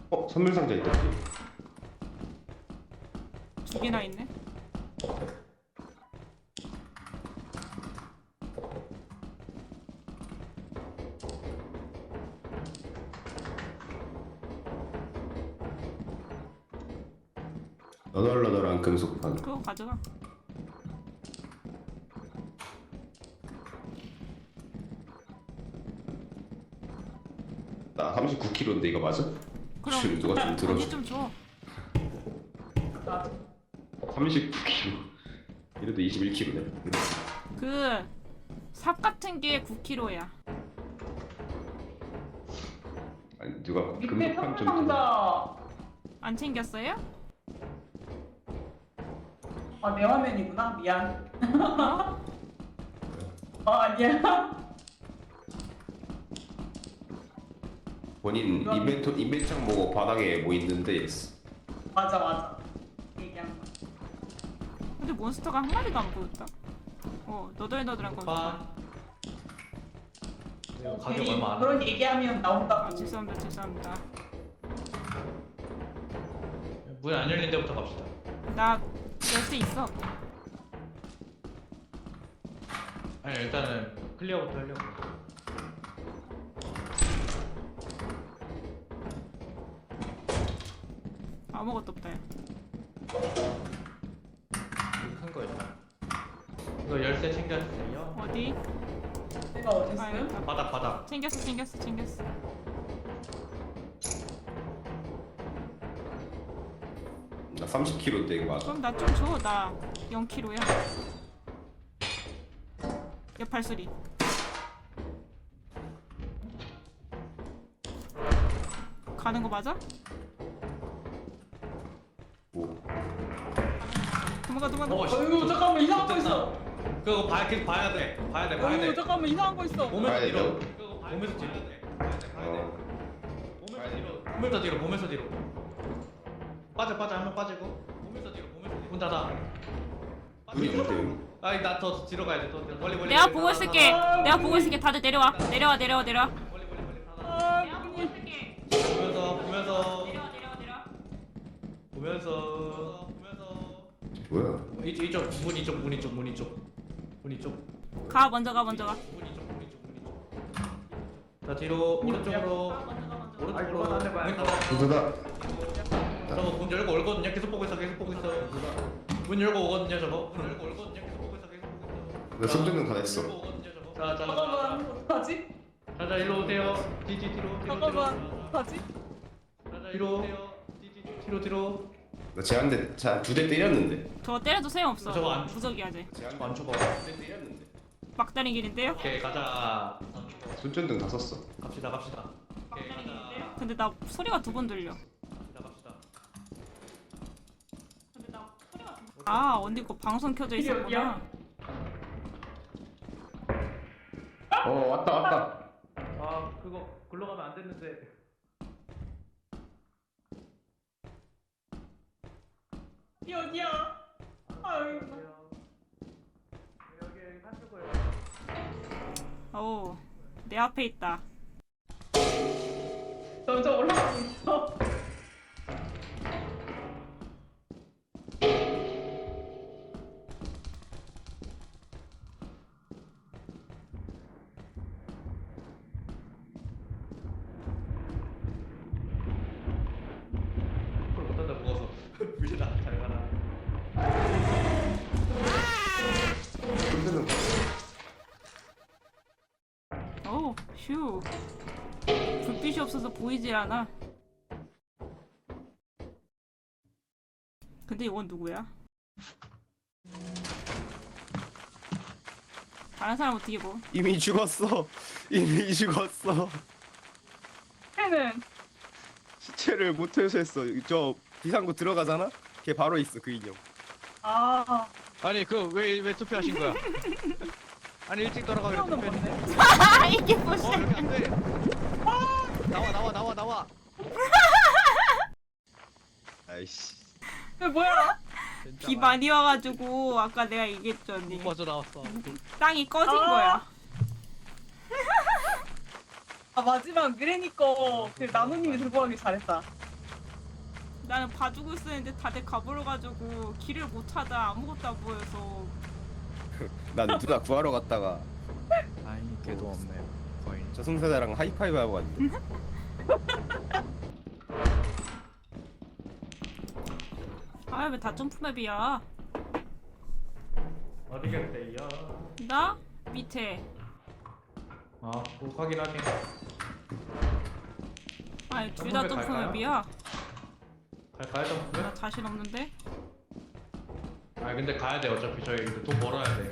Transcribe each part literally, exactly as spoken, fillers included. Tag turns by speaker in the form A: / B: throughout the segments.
A: 어? 선물 상자 있다. 뒤에.
B: 두 개나 있네.
A: 너덜너덜한 금속판.
B: 그거 가져가.
A: 나 삼십구 킬로그램인데 이거 맞아?
B: 그럼
A: 지금 누가 좀 들어줘.
B: 거기 좀 줘.
A: 삼십구 킬로그램. 이래도 이십일 킬로그램네.
B: 그 삽 같은 게 구 킬로그램야.
A: 아니 누가
C: 밑에
A: 금속판 좀.
C: 상자.
B: 안 챙겼어요?
C: 아, 내 화면이구나. 미안.
B: 어?
C: 아, 아니야.
A: 본인
C: 이건-
A: 인벤토 인벤창 보고 바닥에 뭐 있는데 이랬어.
C: 맞아, 맞아. 얘기한 거.
B: 근데 몬스터가 한 마리도 안 보였다. 어, 너덜너덜한 거.
D: 파 가격
C: 괜히
D: 얼마 안
C: 그런 얘기하면 나온다고.
B: 아, 죄송합니다, 죄송합니다.
D: 문 안 열린 데부터 갑시다.
B: 나 열쇠 있어.
D: 아니 일단은 클리어부터 하려고.
B: 아무것도 없다. 야.
D: 큰거 있다. 이거 열쇠 챙겨주세요.
B: 어디?
C: 내가 어디
B: 아,
C: 있어요?
B: 여기다.
D: 바닥 바닥.
B: 챙겼어, 챙겼어, 챙겼어.
A: 나 삼십 킬로그램인데 이거 맞아?
B: 그럼 나 좀 줘. 나 영 킬로그램야. 옆 발소리. 가는 거 맞아?
A: 뭐?
B: 도망가, 도망가.
D: 어, 씨.
C: 어이구, 잠깐만, 이상한 거
D: 좋겠다.
C: 있어.
D: 그거 봐, 계속 봐야 돼. 봐야 돼, 봐야
C: 어이구,
D: 돼.
C: 잠깐만, 이상한 거 있어.
D: 몸에서
A: 봐야
D: 뒤로.
A: 돼요?
D: 그거 몸에서 뒤로. 봐야 돼, 봐야 돼, 봐야 돼.
A: 어.
D: 몸에서 뒤로. 몸에서 뒤로, 몸에서 뒤로. 빠져, 빠져, 한 명 빠지고. 몸에서 뒤로, 몸에서 뒤로. 문 닫아.
A: 문이 없는데 여기?
D: 아니 나더 뒤로 가야 돼. 더 뒤로. 멀리 멀리.
B: 내가
D: 멀리
B: 보고
D: 닫아,
B: 있을게.
D: 닫아.
B: 내가 보고 있을게. 다들 내려와. 내려와, 내려와, 내려와.
D: 멀리 멀리 멀리 닫아.
C: 아,
B: 내가 보고 있을게.
D: 보면서 보면서
B: 내려와, 내려와, 내려와.
D: 보면서 보면서.
A: 뭐야?
D: 이쪽 이쪽 문 이쪽 문 이쪽 문 이쪽 문 이쪽
B: 가, 먼저 가, 먼저 가.
D: 문 이쪽 문 이쪽 문 이쪽. 자 뒤로 오른쪽으로
B: 가, 먼저 가, 먼저 가.
D: 오른쪽으로 문 닫아.
A: 두다.
D: 저거 문 열고 올거든요. 계속 보고 있어 계속 보고 있어. 문 열고 오거든요 저거. 문 열고 올거든요. 계속 보고 있어 계속 보고 있어.
A: 나 손전등 다 됐어.
D: 열고 오거든요 저거. 자자
C: 잠깐만, 어떡하지?
D: 자자 일로 오세요. 뒤뒤 뒤로 뒤로
C: 잠깐만,
D: 뒤로.
C: 어떡하지?
D: 자자 뒤로 오세요. 뒤뒤 뒤로 뒤로.
A: 나 쟤한테 두 대 때렸는데.
B: 저거 때려도 소용없어.
D: 저거 안-
B: 부적이야, 쟤.
A: 쟤한테
D: 안 쳐봐.
A: 두대 때렸는데.
B: 막다른 길인데요?
D: 오케이 가자.
A: 손전등 다 썼어.
D: 갑시다 갑시다. 오케이
B: 막다른
D: 가자.
B: 길인데요? 근데 나 소리가 두 번 들려.
D: 갑시다 갑시다.
B: 근데 나 소리가 두 번. 아, 언니 거 방송 켜져
C: 이게
B: 있었구나.
C: 어디야?
A: 어 왔다 왔다.
D: 아 그거 글로 가면 안 됐는데.
C: 이 어디야? 아유,
D: 여기 한쪽 거예요.
B: 오, 내 앞에 있다.
C: 점점 올라가고 있어.
D: 그걸 못한다 무거워서. 물리다 잘 가라.
A: 손전등.
B: 오, 휴. 불빛이 없어서 보이질 않아. 근데 이건 누구야? 다른 사람 어떻게 보?
A: 이미 죽었어. 이미 죽었어.
C: 걔는
A: 시체를 못 회수했어. 저 비상구 들어가잖아. 걔 바로 있어 그 인형.
C: 아,
D: 아니 그 왜 왜 투표하신 거야? 아니 일찍 돌아가기로
C: 태우는
D: 투표했는데.
C: 건데.
B: 아, 이게
D: 어
B: 무슨?
D: 여기 안 돼. 나와 나와 나와 나와.
A: 아이씨.
C: 그 뭐야?
B: 비 많이 와가지고 아까 내가 얘기했죠, 언니.
D: 못 빠져 나왔어.
B: 땅이 꺼진
C: 아.
B: 거야.
C: 아, 마지막 미래니 거 그 나누님이 들고 가길 잘했다.
B: 나는 봐주고 있었는데 다들 가버려가지고 길을 못 찾아. 아무것도 안 보여서.
A: 난 누나 구하러 갔다가
E: 다행히 걔도 없네요. 거의.
A: 저승사자랑 하이파이브 하고 갔는데.
B: 아 왜 다 점프맵이야?
D: 어디겠대요?
B: 나 밑에.
D: 아, 꼭 확인하게.
B: 아니 둘 다
D: 점프맵
B: 점프맵이야.
D: 갈까요, 점프?
B: 나 자신 없는데.
D: 아, 근데 가야 돼. 어차피 저희 이제 돈 벌어야 돼.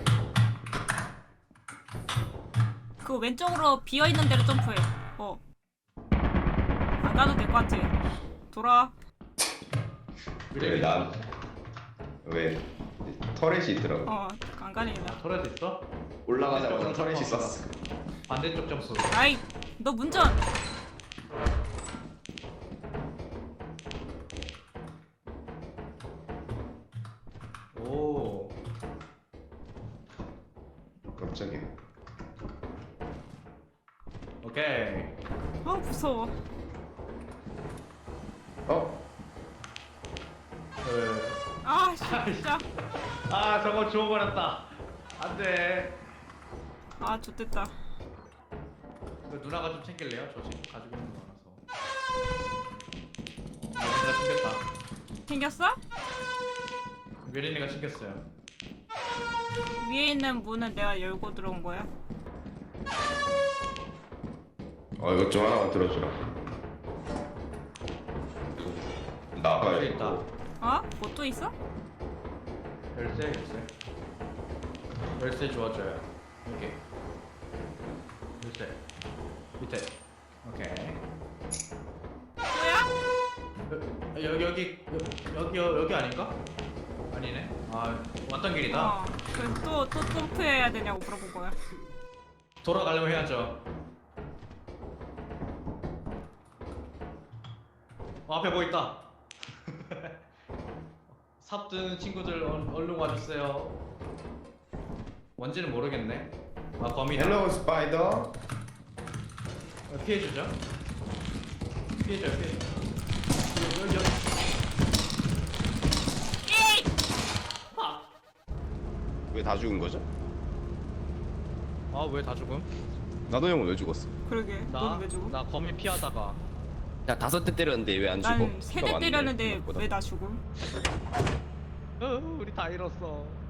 B: 그 왼쪽으로 비어 있는 데로 점프해. 어. 안 가도 될 것 같아. 돌아.
A: 왜 난? 왜 터렛이 있더라고.
B: 어, 안 가리겠다.
D: 아, 터렛 있어?
A: 올라가자마자 터렛이 있었어.
D: 반대쪽 점프.
B: 아이, 너 문전.
D: 오.
A: 깜짝이야.
D: 오케이.
B: 아 무서워.
A: 어?
D: 그...
B: 아 진짜.
D: 아, 저거 주워버렸다. 안 돼.
B: 아 좋됐다.
D: 그 누나가 좀 챙길래요? 저 지금 가지고 있는 거 많아서. 어, 뮤린이가 챙겼다.
B: 생겼어?
D: 뮤린이가 챙겼어요.
B: 위에 있는 문은 내가 열고 들어온 거야.
A: 어 이것 좀 하나만 들어주라. 나가야
D: 여기 있다.
B: 어? 뭐 또 있어?
D: 열쇠, 열쇠. 열쇠 주워줘요. 여기. 열쇠. 밑에. 오케이.
B: 뭐야?
D: 여, 여기 여기 여기 여기, 여기 아닌가? 아니네. 아, 왔던 길이다.
B: 어. 그또또 점프해야 되냐고 물어본 거야.
D: 돌아가려면 해야죠. 어, 앞에 뭐 있다. 삽 드는 친구들 얼, 얼른 와주세요. 뭔지는 모르겠네. 아, 범이다.
A: 헬로우 스파이더.
D: 어, 피해주죠. 피해줘요, 피해줘. 여기, 여기.
B: 에이!
D: 아,
A: 왜 다 죽은 거죠?
E: 아 왜 다 죽음?
A: 나도 형은 왜 죽었어?
B: 그러게.
E: 나?
B: 너는 왜 죽어?
E: 나 거미 피하다가
A: 야 다섯 대 때렸는데 왜 안 죽어?
B: 난 세 대
A: 피가
B: 때렸는데
A: 많네, 생각보다.
B: 왜 나 죽음?
E: 으, 우리 다 잃었어.